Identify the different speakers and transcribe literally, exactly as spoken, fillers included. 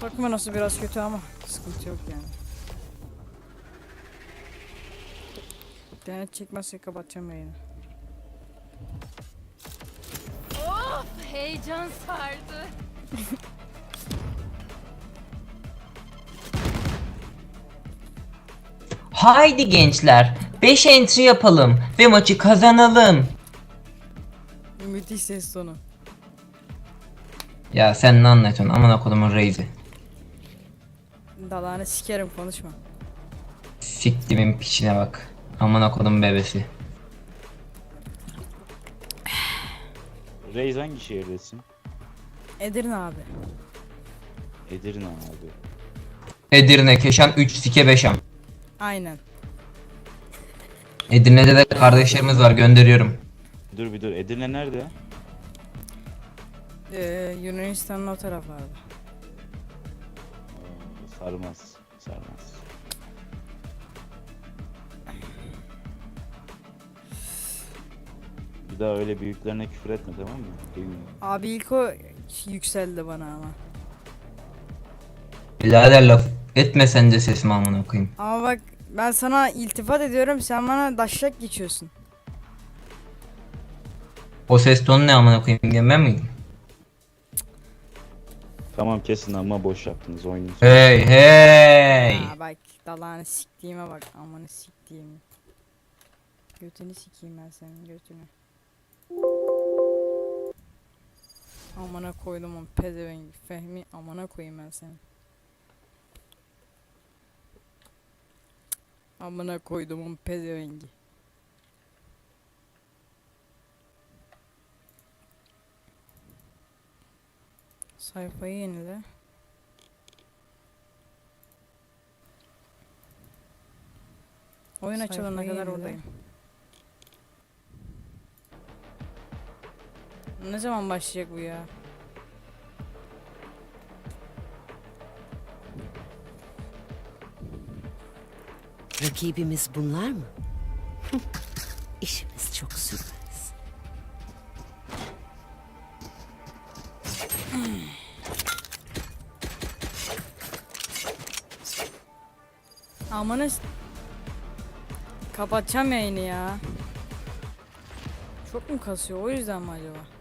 Speaker 1: Bakma nasıl biraz kötü ama sıkıntı yok yani. İnternet çekmezse kapatacağım yayını.
Speaker 2: Of, heyecan sardı.
Speaker 3: Haydi gençler, beş entry yapalım ve maçı kazanalım.
Speaker 1: Müthiş ses tonu.
Speaker 3: Ya sen ne anlatıyorsun amına kodumun reizi.
Speaker 1: Dalağını sikerim, konuşma.
Speaker 3: Siktimin piçine bak. Amına kodum bebesi.
Speaker 4: Reis hangi şehirdesin?
Speaker 1: Edirne abi.
Speaker 4: Edirne abi.
Speaker 3: Edirne, Keşan, üç sike beşam.
Speaker 1: Aynen.
Speaker 3: Edirne'de de kardeşlerimiz var, gönderiyorum.
Speaker 4: Dur bir dur. Edirne nerede?
Speaker 1: Ee, Yunanistan'ın o taraflarda.
Speaker 4: Oo, sarmaz. Sarmaz. Bir daha öyle büyüklerine küfür etme, tamam mı? Duymuyorum.
Speaker 1: Abi ilk o yükseldi bana ama.
Speaker 3: Birader laf etme sen de sesimi amına koyayım.
Speaker 1: Ama bak ben sana iltifat ediyorum, sen bana daşlak geçiyorsun.
Speaker 3: O ses tonu ne amına koyayım diyen ben miydim?
Speaker 4: Tamam kesin ama boş yaptınız oyunu.
Speaker 3: Hey hey.
Speaker 1: Ha bak dalağını siktiğime bak, amanı siktiğimi. Götünü sikeyim ben senin götünü. Amına koydum onu pezevengi Fehmi, amına koyayım ben seni. Amına koydum onu pezevengi. Sayfayı yenile. Oyun açılana
Speaker 5: Sayfayı
Speaker 1: kadar
Speaker 5: yenile.
Speaker 1: oradayım. Ne zaman başlayacak bu ya?
Speaker 5: Rakibimiz bunlar mı? İşimiz çok sürmez.
Speaker 1: Amanı s- kapatacağım yayını ya. Çok mu kasıyor, o yüzden mi acaba?